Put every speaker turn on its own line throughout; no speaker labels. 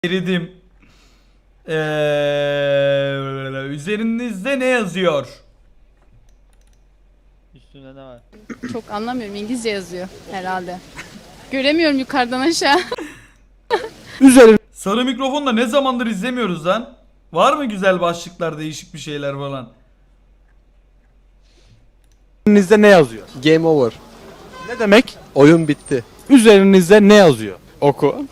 Eridim. Üzerinizde ne yazıyor?
Üstünde ne var?
Çok anlamıyorum. İngilizce yazıyor herhalde. Göremiyorum yukarıdan aşağı.
Sarı mikrofonla ne zamandır izlemiyoruz lan? Var mı güzel başlıklar, değişik bir şeyler falan?
Üzerinizde ne yazıyor?
Game over.
Ne demek?
Oyun bitti.
Üzerinizde ne yazıyor?
Oku.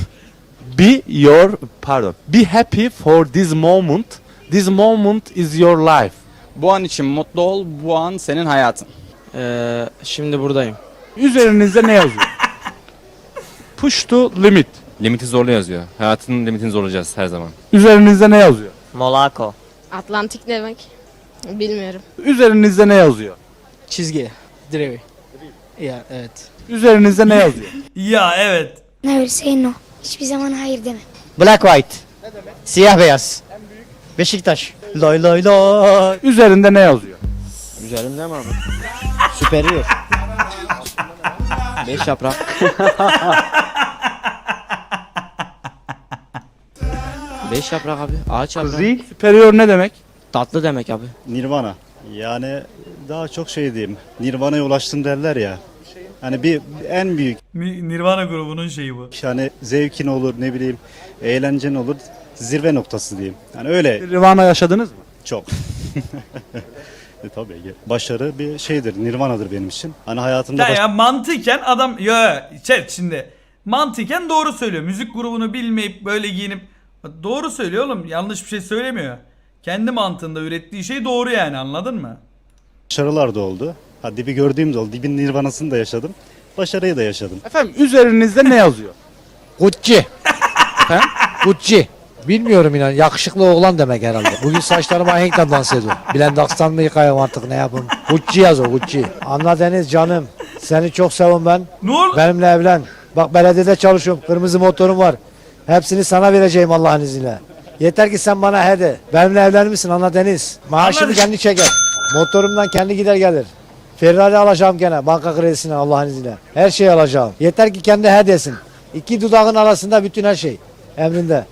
Be happy for this moment. This moment is your life.
Bu an için mutlu ol, bu an senin hayatın.
Şimdi buradayım.
Üzerinizde ne yazıyor? Push to limit.
Limiti zorla yazıyor. Hayatının limitini zorlayacağız her zaman.
Üzerinizde ne yazıyor?
Monaco.
Atlantik demek. Bilmiyorum.
Üzerinizde ne yazıyor?
Çizgi. Direği. Ya evet.
Üzerinizde ne yazıyor?
Ya evet.
Never say no. Hiçbir zaman hayır deme.
Black white. Ne demek? Siyah beyaz. Beşiktaş. Lay lay lay.
Üzerinde ne yazıyor?
Üzerimde mi abi? Superior. 5 yaprak. Beş yaprak abi. Ağaç yaprak.
Superior ne demek?
Tatlı demek abi.
Nirvana. Yani daha çok şey diyeyim. Nirvana'ya ulaştım derler ya. Hani bir en büyük
Nirvana grubunun şeyi bu.
hani zevkin olur ne bileyim eğlencen olur zirve noktası diyeyim. Yani öyle
Nirvana yaşadınız mı?
çok. Tabii ki. Başarı bir şeydir. Nirvana'dır benim için. Hani hayatımda
Ya mantıken adam chat şimdi mantıken doğru söylüyor. Müzik grubunu bilmeyip böyle giyinip doğru söylüyor oğlum. Yanlış bir şey söylemiyor. Kendi mantığında ürettiği şey doğru yani, anladın mı?
başarılar da oldu. Ha, dibi gördüğüm de oldu. Dibin Nirvana'sını da yaşadım. Başarıyı da yaşadım.
Efendim üzerinizde ne yazıyor?
Gucci. Gucci. Bilmiyorum inan. Yakışıklı oğlan demek herhalde. Bugün saçlarıma ahenkle dans ediyorum. Blendax'tan mı yıkayım artık ne yapayım? Gucci yaz o Gucci. Anla Deniz canım. Seni çok seviyorum ben.
Ne oldu?
Benimle evlen. Bak belediyede çalışıyorum. Kırmızı motorum var. Hepsini sana vereceğim Allah'ın izniyle. Yeter ki sen bana he de. Benimle evlenir misin Anla Deniz? Maaşımı
Anladım.
kendi çeker. Motorumdan kendi gider gelir. Ferrari alacağım gene banka kredisine Allah'ın izniyle. Her şeyi alacağım. Yeter ki kendi he desin. İki dudağın arasında bütün her şey. Emrinde.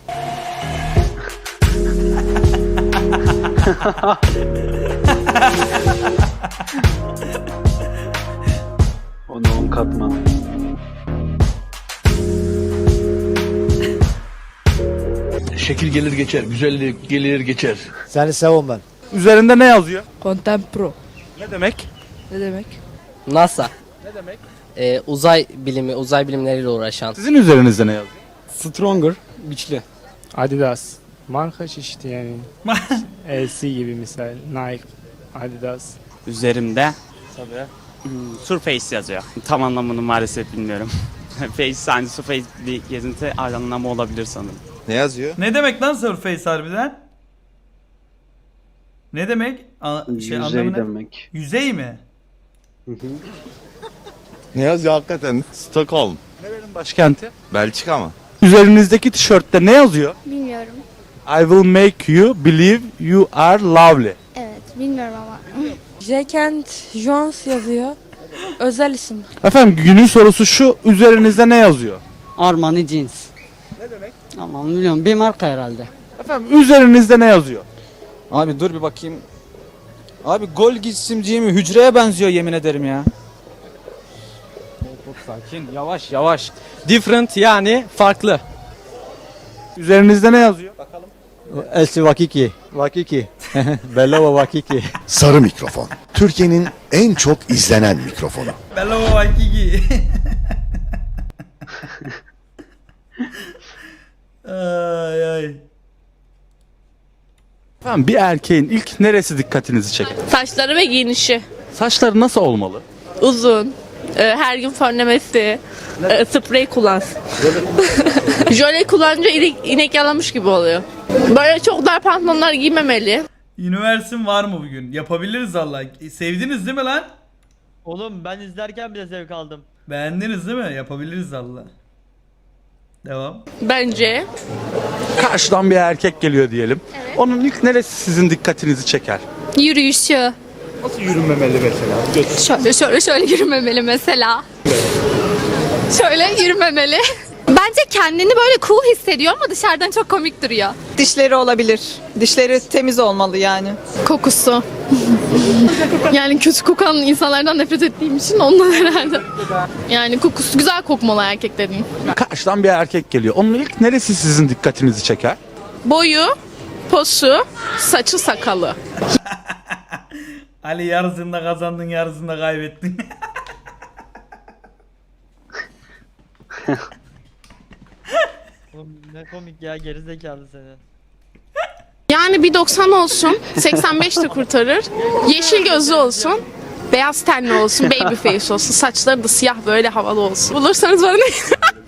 Onu 10 katman.
Şekil gelir geçer, güzellik gelir geçer.
Seni seviyorum ben.
Üzerinde ne yazıyor?
Contempro.
Ne demek?
Ne demek? NASA. Ne demek? Uzay bilimi, uzay bilimleriyle uğraşan.
Sizin üzerinizde ne yazıyor?
Stronger, güçlü.
Adidas. Marka çeşidi yani. LC gibi misal. Nike, Adidas.
Üzerimde Surface yazıyor. Tam anlamını maalesef bilmiyorum. Face, yani Surface bir gezinti anlamı olabilir sanırım.
Ne yazıyor?
Ne demek lan Surface harbiden? Ne demek?
Yüzey demek.
Yüzey mi?
Ne yazıyor hakikaten? Stockholm.
Nerenin başkenti?
Belçika mı?
Üzerinizdeki tişörtte ne yazıyor?
Bilmiyorum.
I will make you believe you are lovely.
Evet, bilmiyorum ama.
Jackent Jones yazıyor. Özel isim.
Efendim günün sorusu şu, üzerinizde ne yazıyor?
Armani jeans. Ne demek? Aman bilmiyorum. Bir marka herhalde.
Efendim üzerinizde ne yazıyor?
Abi dur bir bakayım. Abi gol isimciği mi? Hücreye benziyor yemin ederim ya. Çok sakin, yavaş yavaş. Different yani farklı.
Üzerinizde ne yazıyor?
Elsi Vakiki. Vakiki. Bellova Vakiki.
Sarı mikrofon. Türkiye'nin en çok izlenen mikrofonu.
Bello Waikiki. Ay ay.
Efendim bir erkeğin ilk neresi dikkatinizi çeker?
Saçları ve giyinişi.
Saçları nasıl olmalı?
Uzun. Her gün fönlemesi. Sprey kullansın. Jöle kullanınca inek yalamış gibi oluyor. Böyle çok dar pantolonlar giymemeli.
Üniversitem var mı bugün? Yapabiliriz Allah. Sevdiniz değil mi lan?
Oğlum ben izlerken bile zevk aldım.
Beğendiniz değil mi? Yapabiliriz Allah. Devam.
Bence.
Karşıdan bir erkek geliyor diyelim. Onun ilk neresi sizin dikkatinizi çeker?
Yürüyüşü.
Nasıl yürünmemeli mesela?
Şöyle yürümemeli mesela. Şöyle yürümemeli.
Bence kendini böyle cool hissediyor ama dışarıdan çok komik duruyor.
Dişleri olabilir. Dişleri temiz olmalı yani.
Kokusu. Yani kötü kokan insanlardan nefret ettiğim için ondan herhalde. Yani kokusu güzel kokmalı erkeklerin.
Karşıdan bir erkek geliyor. Onun ilk neresi sizin dikkatinizi çeker?
Boyu, posu, saçı, sakalı.
Ali yarısında kazandın, yarısında kaybettin.
Oğlum ne komik ya, gerizekalı seni.
Yani bir 90 olsun, 85 de kurtarır. Yeşil gözlü olsun, beyaz tenli olsun, baby face olsun. Saçları da siyah böyle havalı olsun. Bulursanız bana ne?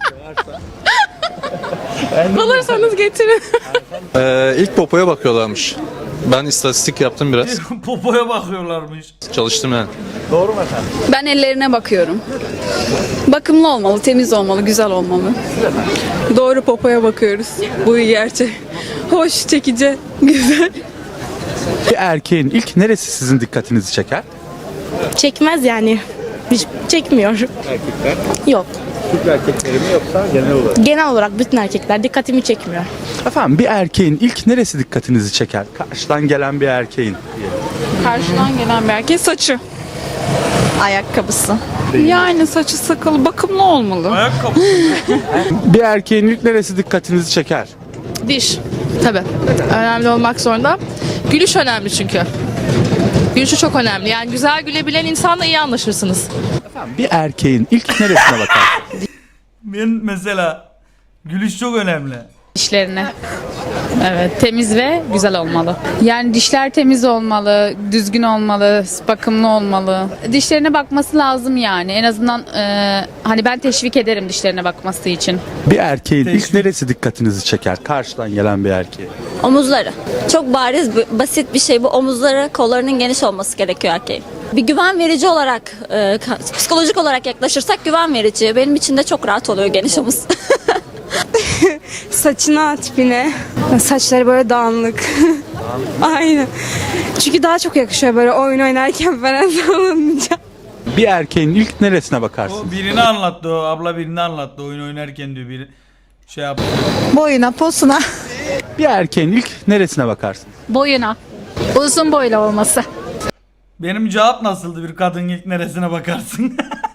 Bulursanız getirin.
İlk popoya bakıyorlarmış. Ben istatistik yaptım biraz.
Popoya bakıyorlarmış.
Çalıştım yani.
Doğru mu efendim?
Ben ellerine bakıyorum. Bakımlı olmalı, temiz olmalı, güzel olmalı. Doğru, popoya bakıyoruz. Bu gerçek. Hoş, çekici, güzel.
Bir erkeğin ilk neresi sizin dikkatinizi çeker?
Çekmez yani. Hiç çekmiyor.
Erkekler.
Yok.
Türk erkekleri mi yoksa genel olarak?
Genel olarak bütün erkekler dikkatimi çekmiyor.
Efendim bir erkeğin ilk neresi dikkatinizi çeker? Karşıdan gelen bir erkeğin.
Karşıdan gelen bir erkek saçı. Ayakkabısı.
Yani saçı sakalı bakımlı olmalı.
Ayakkabı.
Bir erkeğin ilk neresi dikkatinizi çeker?
Diş. Tabii. Önemli olmak zorunda. Gülüş önemli çünkü. Gülüşü çok önemli. Yani güzel gülebilen insanla iyi anlaşırsınız.
Bir erkeğin ilk neresine bakar?
Ben mesela gülüş çok önemli.
Dişlerine. Evet, temiz ve güzel olmalı. Yani dişler temiz olmalı, düzgün olmalı, bakımlı olmalı. Dişlerine bakması lazım yani. En azından hani ben teşvik ederim dişlerine bakması için.
Bir erkeğin ilk neresi dikkatinizi çeker? Karşıdan gelen bir erkeği.
Omuzları. Çok bariz, basit bir şey bu. Omuzları, kollarının geniş olması gerekiyor erkeğin. Bir güven verici olarak, psikolojik olarak yaklaşırsak güven verici. Benim için de çok rahat oluyor geniş omuz. Saçına, tipine. Saçları böyle dağınık. Aynen. Çünkü daha çok yakışıyor böyle oyun oynarken falan sallanınca.
Bir erkeğin ilk neresine bakarsın?
O birini anlattı, o abla birini anlattı oyun oynarken diyor biri. Şey yaptı.
Boyuna, posuna.
Bir erkeğin ilk neresine bakarsın?
Boyuna. Uzun boylu olması.
Benim cevap nasıldı, bir kadın ilk neresine bakarsın?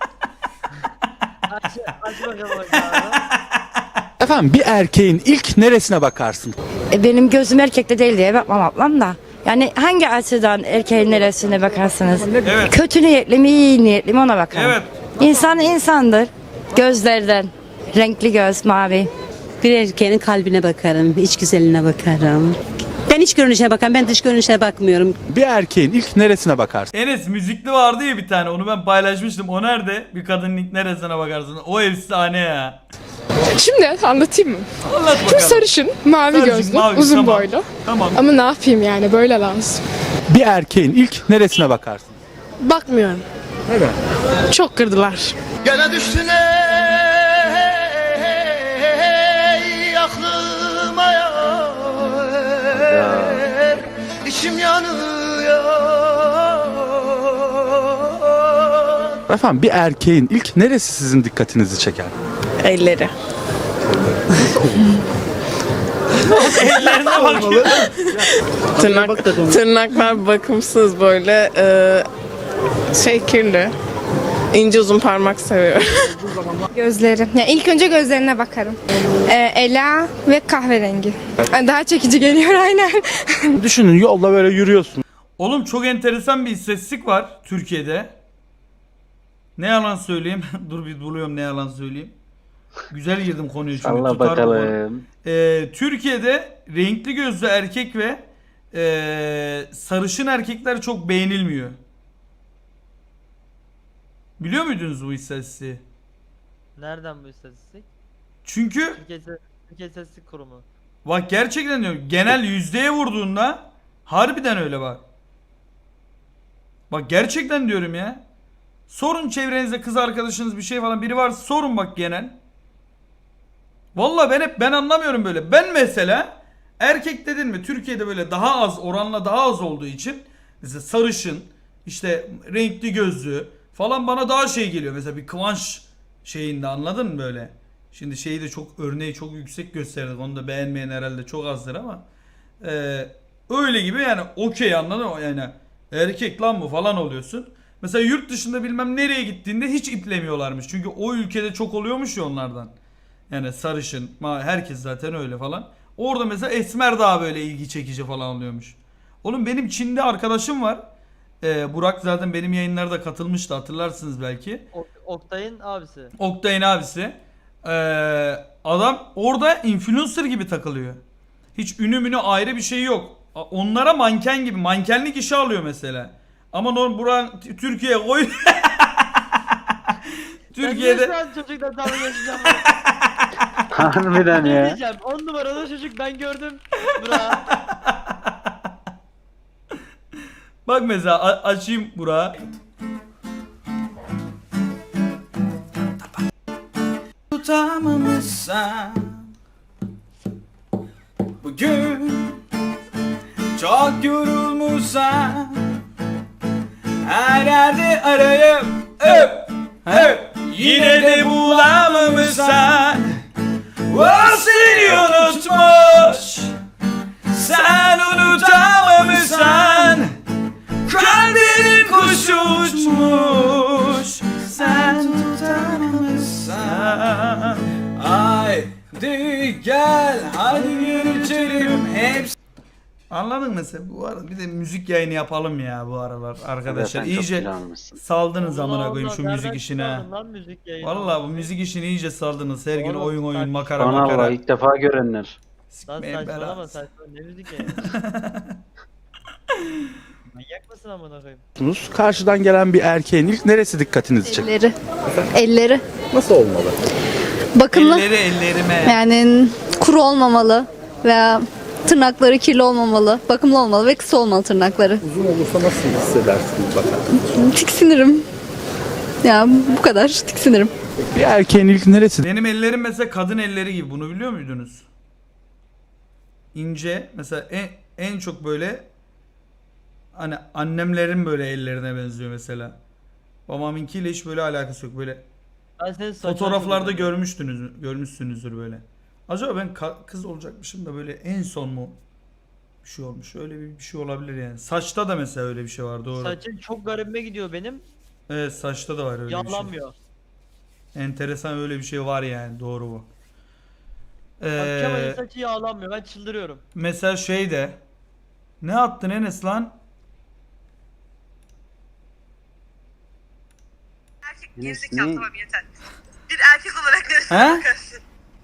Aç bakalım ya.
Efendim bir erkeğin ilk neresine bakarsın?
Benim gözüm erkekte değil diye bakmam ablam da. Yani hangi açıdan erkeğin neresine bakarsınız?
Evet.
Kötü niyetli mi, iyi niyetli mi ona bakarım.
Evet.
İnsan insandır. Gözlerden. Renkli göz, mavi.
Bir erkeğin kalbine bakarım, iç güzeline bakarım. Ben iç görünüşe bakarım, ben dış görünüşe bakmıyorum.
Bir erkeğin ilk neresine bakarsın?
Enes müzikli vardı ya bir tane, onu ben paylaşmıştım. O nerede? Bir kadının ilk neresine bakarsın? O efsane ya.
Şimdi anlatayım mı?
Anlat
Şu
bakalım.
sarışın, mavi
Sarışın,
gözlü,
mavi,
uzun
tamam.
boylu.
Tamam.
Ama ne yapayım yani böyle lazım.
Bir erkeğin ilk neresine bakarsın?
Bakmıyorum.
Neden?
Çok kırdılar.
Gene düştün ey aklıma yar, içim yanıyor.
Efendim bir erkeğin ilk neresi sizin dikkatinizi çeker?
Elleri.
Ellerine bak.
Tırnaklar bakımsız böyle kirli. İnce uzun parmak seviyorum.
Gözleri. Yani ilk önce gözlerine bakarım. Ela ve kahverengi. Daha çekici geliyor aynen.
Düşünün yolda böyle yürüyorsun.
Oğlum çok enteresan bir istatistik var Türkiye'de. Ne yalan söyleyeyim. Dur bir buluyorum ne yalan söyleyeyim. Güzel girdim konuya çünkü.
Allah
tutar bu konu.
bakalım.
Türkiye'de renkli gözlü erkek ve sarışın erkekler çok beğenilmiyor. Biliyor muydunuz bu istatistiği?
Nereden bu istatistik?
Çünkü
Türkiye İstatistik Kurumu.
bak gerçekten diyorum, genel yüzdeye vurduğunda harbiden öyle bak. Bak gerçekten diyorum ya. Sorun çevrenizde kız arkadaşınız bir şey falan biri varsa sorun bak genel. Vallahi ben anlamıyorum böyle. Ben mesela erkek dedin mi Türkiye'de böyle daha az, oranla daha az olduğu için mesela sarışın, işte renkli gözlü falan bana daha şey geliyor. Mesela bir Kıvanç şeyinde, anladın mı böyle? Şimdi şeyi de çok örneği çok yüksek gösterdik. Onu da beğenmeyen herhalde çok azdır ama öyle gibi yani okey, anladın mı? Yani erkek lan bu falan oluyorsun. Mesela yurt dışında bilmem nereye gittiğinde hiç iplemiyorlarmış. Çünkü o ülkede çok oluyormuş ya onlardan. Yani sarışın, herkes zaten öyle falan. Orada mesela esmer daha böyle ilgi çekici falan oluyormuş. Oğlum benim Çin'de arkadaşım var. Burak zaten benim yayınlarda katılmıştı, hatırlarsınız belki.
Oktay'ın abisi.
Oktay'ın abisi. Adam orada influencer gibi takılıyor. Hiç ünü ayrı bir şey yok. Onlara manken gibi, mankenlik işi alıyor mesela. Ama Burak Türkiye'ye koy. Türkiye'de...
Ben çocukla dalga geçeceğim.
Harbiden
Ne
ya.
diyeceğim? 10 numaralı çocuk ben gördüm. Bura.
Bak mesela açayım Burak'ı. Tutamamışsan bugün çok yorulmuşsan her yerde arayıp yine de bulamamışsan o seni unutmuş, sen unutamamışsan kalbinin kuşu uçmuş, sen tutamamışsan haydi gel hadi geçelim hepsi. Anladın mı sen? Bu arada bir de müzik yayını yapalım ya bu aralar arkadaşlar. İyice saldınız amına koyayım şu müzik işine. Vallahi bu müzik işini iyice saldınız. Her gün oyun makara.
İlk defa görenler.
Lan
Sikmeyin
saçmalama
belanı.
saçmalama ne müzik ya? Manyak mısın amına koyayım?
Karşıdan gelen bir erkeğin ilk neresi dikkatinizi çeker?
Elleri.
Nasıl olmalı?
Bakımlı.
Ellerime.
Yani kuru olmamalı veya tırnakları kirli olmamalı. Bakımlı olmalı ve kısa olmalı tırnakları.
Uzun olursa nasıl hissedersiniz bakalım?
Tiksinirim. Ya bu kadar tiksinirim.
Bir erkeğin ilk neresi?
Benim ellerim mesela kadın elleri gibi, bunu biliyor muydunuz? İnce mesela en çok böyle hani annemlerin böyle ellerine benziyor mesela. Babamınkiyle hiç böyle alakası yok, böyle
Ben senin saçını
fotoğraflarda
hatırlıyorum.
görmüşsünüzdür böyle. Acaba ben kız olacakmışım da böyle en son mu bir şey olmuş, öyle bir şey olabilir yani. Saçta da mesela öyle bir şey var, doğru.
Saçın çok garibime gidiyor benim.
Evet, saçta da var öyle bir şey.
Yağlanmıyor.
Enteresan, öyle bir şey var yani, doğru bu.
Bak Kemal'in saçı yağlanmıyor. Ben çıldırıyorum.
Mesela şey de, ne attın Enes lan?
Gerizekalı tamam
yeter. Bir erkek olarak neresine
He?
bakarsın?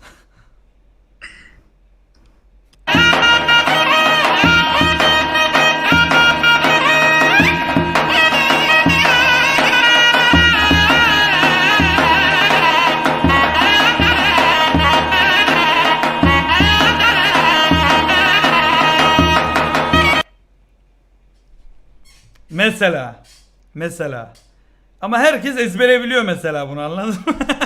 Mesela. Ama herkes ezbere biliyor mesela bunu, anladın mı?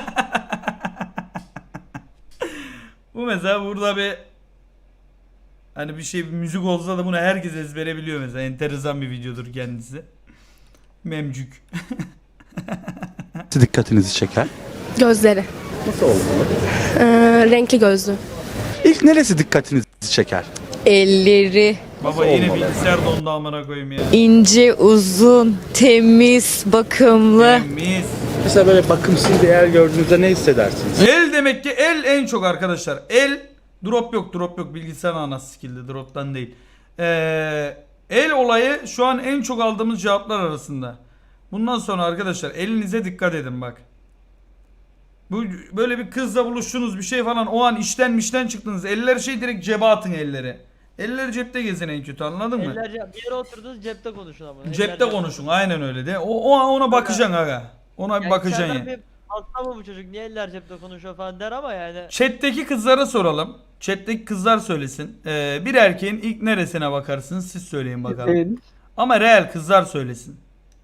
Bu mesela burada bir hani bir müzik olsa da bunu herkes ezbere biliyor mesela. Enteresan bir videodur kendisi. Memcük.
Dikkatinizi çeker?
Gözleri.
Nasıl olmalı?
Renkli gözlü.
İlk neresi dikkatinizi çeker?
Elleri.
Baba yine bilgisayar dondu amına koyayım ya.
İnce, uzun, temiz, bakımlı.
Temiz.
Mesela böyle bakımsız bir yer gördüğünüzde ne hissedersiniz?
El demek ki en çok arkadaşlar. Drop yok bilgisayar anası skill'de, drop'tan değil. El olayı şu an en çok aldığımız cevaplar arasında. Bundan sonra arkadaşlar elinize dikkat edin bak. Bu böyle bir kızla buluştunuz bir şey falan, o an işten çıktınız. Eller direkt cebe atın elleri. Eller cepte gezin en kötü, anladın mı?
Bir yere oturdunuz cepte konuşun ama.
Cepte konuşun, aynen öyle de. Ona bakacaksın aga. Ona bir bakacaksın
yani.
yani.
Hasta mı bu çocuk, niye eller cepte konuşuyor falan der ama yani.
Chat'teki kızlara soralım. Chat'teki kızlar söylesin. Bir erkeğin ilk neresine bakarsınız, siz söyleyin bakalım. Ama real kızlar söylesin.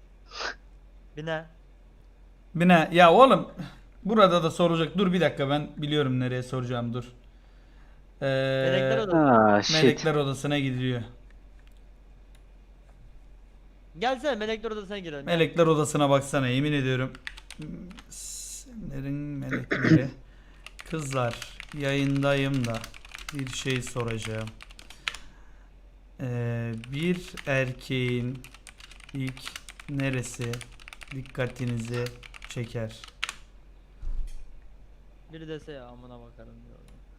Bine. Ya oğlum burada da soracak. Dur bir dakika, ben biliyorum nereye soracağım, dur.
Melekler odası.
Melekler odasına gidiliyor.
Gelsene melekler odasına girelim.
Melekler odasına baksana, yemin ediyorum. Senlerin melekleri Kızlar yayındayım da bir şey soracağım. Bir erkeğin ilk neresi dikkatinizi çeker?
Biri dese ya amına bakarım diyor.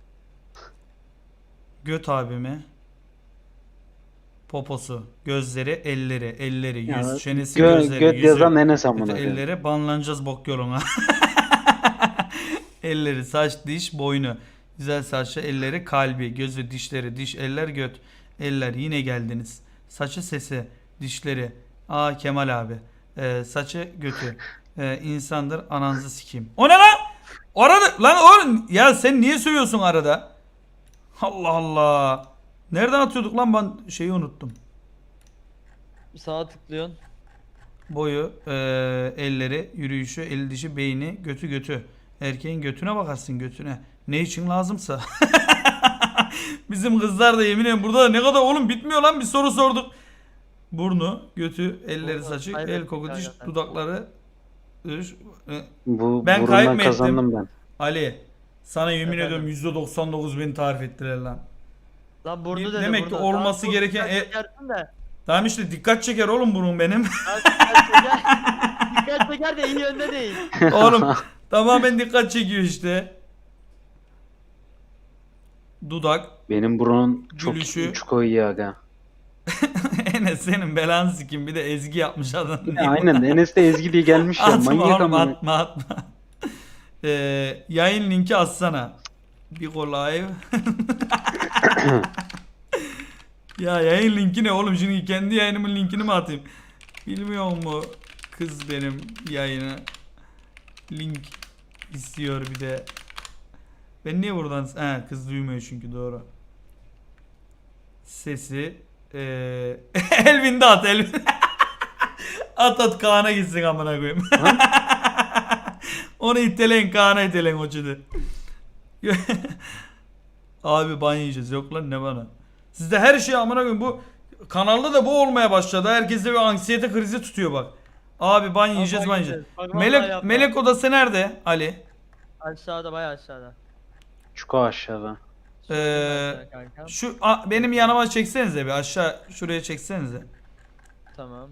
Göt abimi. Poposu, gözleri, elleri, yüz, çenesi, gözleri,
Göt
yüzü,
yazan Enes amına.
elleri, banlanacağız bok yoluna. Elleri, saç, diş, boynu. Güzel saçlı, elleri, kalbi, gözü, dişleri, diş, eller, göt. Eller, yine geldiniz. Saçı, sesi, dişleri. Aa Kemal abi. Saçı, götü. İnsandır, ananızı sikeyim. O ne lan? Arada lan oğlum ya sen niye söylüyorsun arada? Allah Allah. Nereden atıyorduk lan, ben şeyi unuttum.
Sağa tıklıyorsun.
Boyu, elleri, yürüyüşü, eli dişi, beyni, götü. Erkeğin götüne bakarsın, götüne. Ne için lazımsa. Bizim kızlar da yemin ederim burada da ne kadar oğlum bitmiyor lan, bir soru sorduk. Burnu, götü, elleri, saçı, el koku, diş, dudakları. Ben
Ben
kayıp mı ettim?
kazandım ben.
Ali sana yemin
Efendim?
ediyorum %99 beni tarif ettiler lan.
Lan burnu dedi,
Demek ki
burnu.
olması
Tamam,
gereken
dikkat çekersin de.
tamam işte dikkat çeker oğlum bunun benim.
Dikkat çeker de iyi yönde değil.
Oğlum tamamen dikkat çekiyor işte. Dudak.
Benim burnum çok
Gülüşü.
çuko iyi aga.
Enes senin belanı sikim, bir de ezgi yapmış adam.
Aynen Enes de Ezgi diye gelmiş ya.
Atma
Manyak
oğlum,
ama.
atma. Yayın linki atsana. Bir live. Ya yayın linki ne oğlum, şimdi kendi yayınımın linkini mi atayım? Bilmiyor mu kız benim yayını? Link istiyor bir de. Ben niye buradan... kız duymuyor çünkü, doğru. Sesi... Elvin de at Elvin. at Kaan'a gitsin amına koyayım. Onu iteleyin, Kaan'a iteleyin o çidi. Abi ban yiyeceğiz, yok lan ne bana. Sizde her şey amına koyayım, bu kanalda da bu olmaya başladı. Herkeste bir anksiyete krizi tutuyor bak. Abi ban yiyeceğiz, ban yiyeceğiz.
Bak, vallahi yapma.
Melek odası nerede Ali?
Aşağıda, bayağı aşağıda.
Çuko aşağıda.
Kankam.
Şu benim yanıma çeksenize bir, aşağı şuraya çeksenize.
Tamam.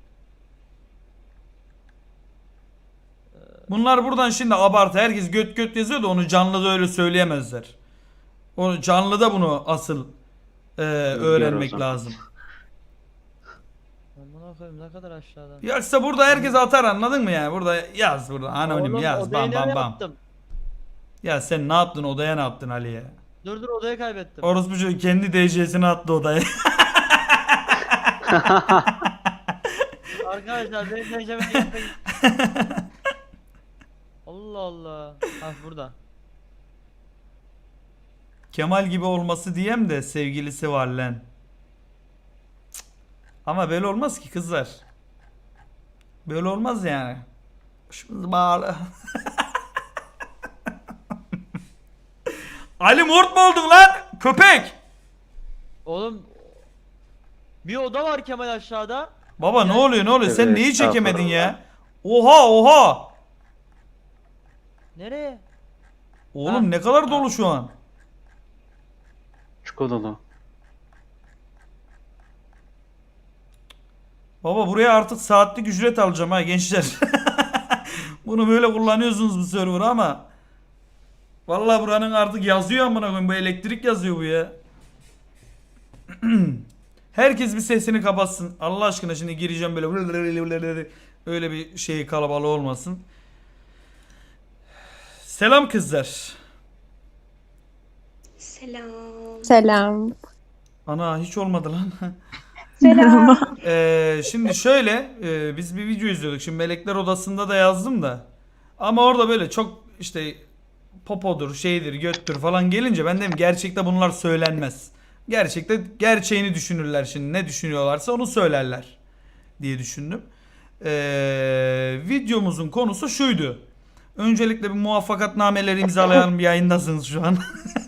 Bunlar buradan şimdi abartı, herkes göt yazıyor da onu canlıda öyle söyleyemezler. Onu canlıda bunu asıl öğrenmek
zaman.
lazım.
Amına koyayım, ne kadar aşağıda.
Yoksa burada herkes atar, anladın mı yani? Burada yaz, burada anonim
Oğlum,
yaz,
odayı
bam
nereye
bam.
attım?
Ya sen ne yaptın, odaya ne yaptın Ali ya?
Dur odayı kaybettim.
Orospu çocuğu kendi DC'sini attı odaya.
Arkadaşlar benim neceme yapmayın. Allah Allah. Ha burada.
Kemal gibi olması diyem de sevgilisi var lan. Cık. Ama böyle olmaz ki kızlar. Böyle olmaz yani. Başımız bağlı. Ali Mort mu oldun lan? Köpek.
Oğlum bir oda var Kemal aşağıda.
Baba ne oluyor sen
Evet,
neyi çekemedin
estağfurullah.
ya? Oha.
Nereye?
Oğlum ne kadar dolu şu an.
Çuko dolu.
Baba buraya artık saatlik ücret alacağım ha gençler. Bunu böyle kullanıyorsunuz bu server'ı ama vallahi buranın artık yazıyor amına koyayım, bu elektrik yazıyor bu ya. Herkes bir sesini kapatsın. Allah aşkına şimdi gireceğim böyle öyle bir şey kalabalığı olmasın. Selam kızlar.
Selam.
Ana hiç olmadı lan.
Selam.
Şimdi şöyle biz bir video izliyorduk. Şimdi Melekler Odası'nda da yazdım da. Ama orada böyle çok işte popodur, şeydir, göttür falan gelince ben dedim gerçekte bunlar söylenmez. Gerçekte gerçeğini düşünürler şimdi. Ne düşünüyorlarsa onu söylerler diye düşündüm. Videomuzun konusu şuydu. Öncelikle bir muvaffakatnameleri imzalayan bir yayındasınız şu an.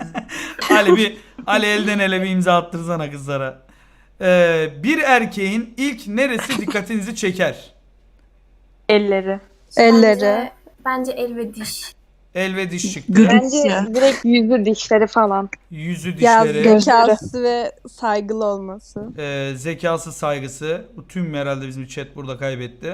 Ali elden ele bir imza attırsana kızlara. Bir erkeğin ilk neresi dikkatinizi çeker?
Elleri.
Bence el ve diş.
El ve diş çıktı.
Bence direkt yüzü dişleri falan.
Yüzü
Ya
dişleri.
zekası ve saygılı olması.
Zekası saygısı. Bu tüm herhalde bizim chat burada kaybetti.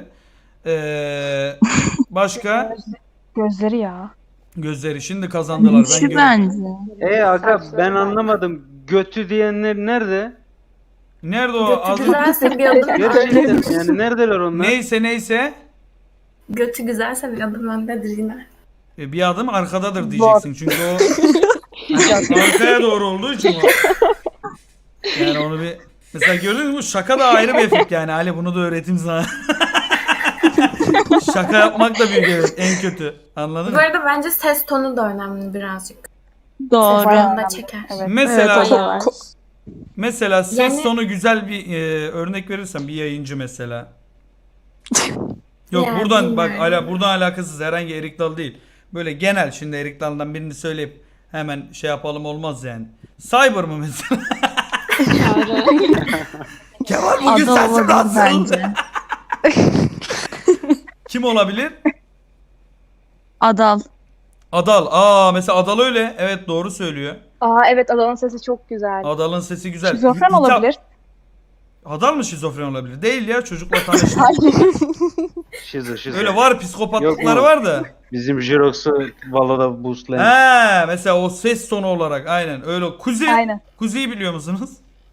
Başka?
Gözleri ya.
Gözleri şimdi kazandılar. Ben gördüm.
Aga ben anlamadım. Götü diyenler nerede?
Nerede o? Az...
Güzelse bir adım
Gerçekten yani neredeler onlar?
Neyse.
Götü güzelse bir adım öndedir yine.
Bir adım arkadadır diyeceksin. Çünkü o arkaya doğru olduğu için o. Yani onu bir... Mesela gördünüz mü? Şaka da ayrı bir efekt yani. Ali bunu da öğreteyim sana. Şaka yapmak da büyük evet. En kötü. Anladın
Bu
mı?
arada bence ses tonu da önemli birazcık.
Doğru.
Ses tonunu da çeker.
Mesela
Evet, o da var.
mesela ses
Yani-
tonu güzel bir örnek verirsen bir yayıncı mesela. Yok
Yani
buradan bak
bilmiyorum.
buradan alakasız herhangi Erik Dal değil. Böyle genel şimdi Erik Dal'dan birini söyleyip hemen şey yapalım olmaz yani. Cyber mı mesela? Kemal bugün sensin nasıl? Kim olabilir?
Adal.
Adal. Mesela Adal öyle. Evet doğru söylüyor.
Evet Adal'ın sesi çok güzel.
Adal'ın sesi güzel.
Şizofren olabilir.
Adal mı şizofren olabilir? Değil ya çocukla tanıştı.
Şizo.
Öyle var
Yok
psikopatlıkları
mu?
var da.
Bizim Jirox'u Valo'da boostlayan.
He mesela o ses tonu olarak aynen öyle. Kuzi'yi biliyor musunuz?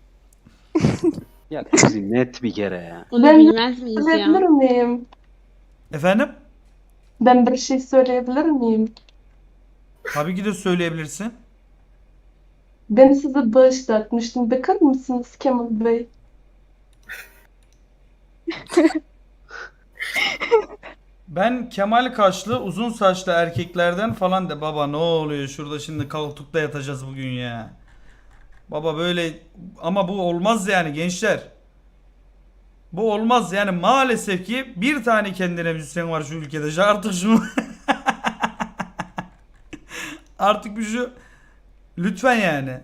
Ya kızım net bir kere ya.
Onu bilmez miyiz ya?
miyim?
Efendim?
Ben bir şey söyleyebilir miyim?
Tabii ki de söyleyebilirsin.
Ben size bağışlatmıştım. Bakar mısınız Kemal Bey?
Ben Kemal kaşlı uzun saçlı erkeklerden falan de baba ne oluyor şurada şimdi koltukta yatacağız bugün ya. Baba böyle ama bu olmaz yani gençler. Bu olmaz yani maalesef ki bir tane kendine müzisyen var şu ülkede. Artık şunu artık bir şu lütfen yani.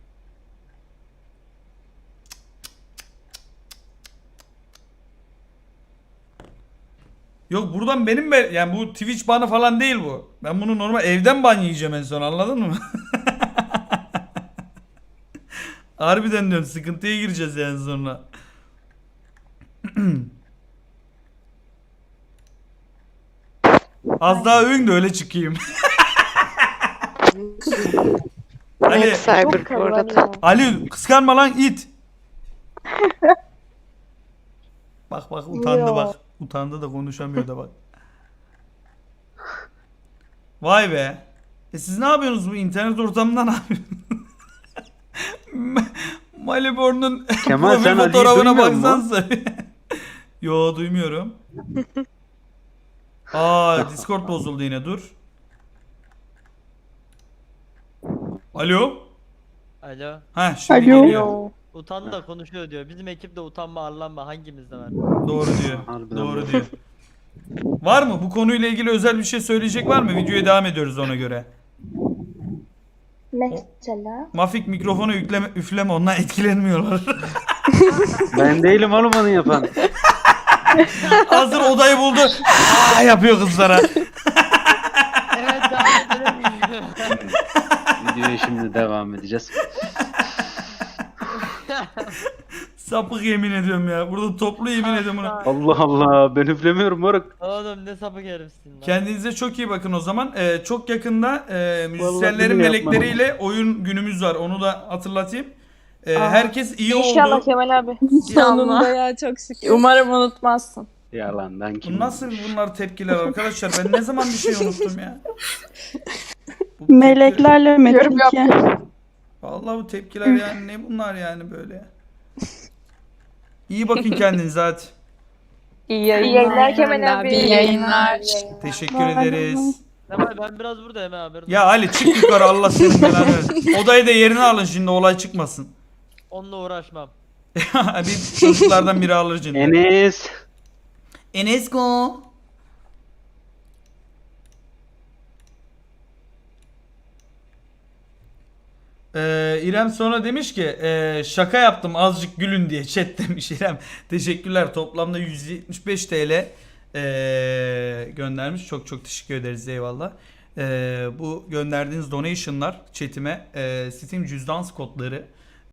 Yok buradan benim yani bu Twitch banı falan değil bu. Ben bunu normal evden ban yiyeceğim en son anladın mı? Harbiden diyorum sıkıntıya gireceğiz yani sonra. Az daha övün de öyle çıkayım. Ali,
Cyber bu arada.
Ali kıskanma lan it. Bak utandı bak. Utandı da konuşamıyor da bak. Vay be. Siz ne yapıyorsunuz bu internet ortamında ne yapıyorsunuz? Maliborn'un
Kemal,
profil
sen Ali'yi
fotoğrafına
duymuyor musun?
baksanıza. Yo duymuyorum. Discord bozuldu yine dur. Alo.
Alo.
Ha şimdi geliyor.
Utandı da konuşuyor diyor. Bizim ekipte utanma arlanma hangimizde var?
Doğru diyor.
Harbiden
Doğru
doğru.
diyor. Var mı? Bu konuyla ilgili özel bir şey söyleyecek var mı? Videoya devam ediyoruz ona göre.
Mesela?
Mafik mikrofonu üfleme ondan etkilenmiyorlar.
Ben değilim oğlum onu yapan.
Hazır odayı buldu. Yapıyor kızlara.
Evet devam edelim.
Videoya şimdi devam edeceğiz.
Sapık yemin ediyorum ya. Burada toplu yemin ediyorum buna.
Allah Allah ben üflemiyorum moruk.
Oğlum ne sapık herifsin lan.
Kendinize çok iyi bakın o zaman. Çok yakında
Vallahi
müzisyenlerin
bunu
melekleriyle oyun günümüz var. Onu da hatırlatayım. Herkes iyi
İnşallah
oldu.
Kemal abi.
Sonunda ya çok şükür. Umarım unutmazsın.
Yalandan kim?
Bu nasıl bunlar tepkiler arkadaşlar? Ben ne zaman bir şey unuttum ya?
Meleklerle metrike.
Vallahi bu tepkiler yani ne bunlar yani böyle. İyi bakın kendinize hadi.
İyi yayınlar Kemal abi.
İyi yayınlar.
Teşekkür ederiz.
Kemal ben biraz buradayım abi.
Ya Ali çık yukarı Allah senin belanı versin. Odayı da yerine alın şimdi olay çıkmasın.
Onunla uğraşmam.
Bir çocuklardan biri alır şimdi.
Enes.
Enesko. İrem sonra demiş ki şaka yaptım azıcık gülün diye chat demiş İrem. Teşekkürler toplamda 175 TL göndermiş. Çok çok teşekkür ederiz eyvallah. Bu gönderdiğiniz donation'lar chatime Steam cüzdan kodları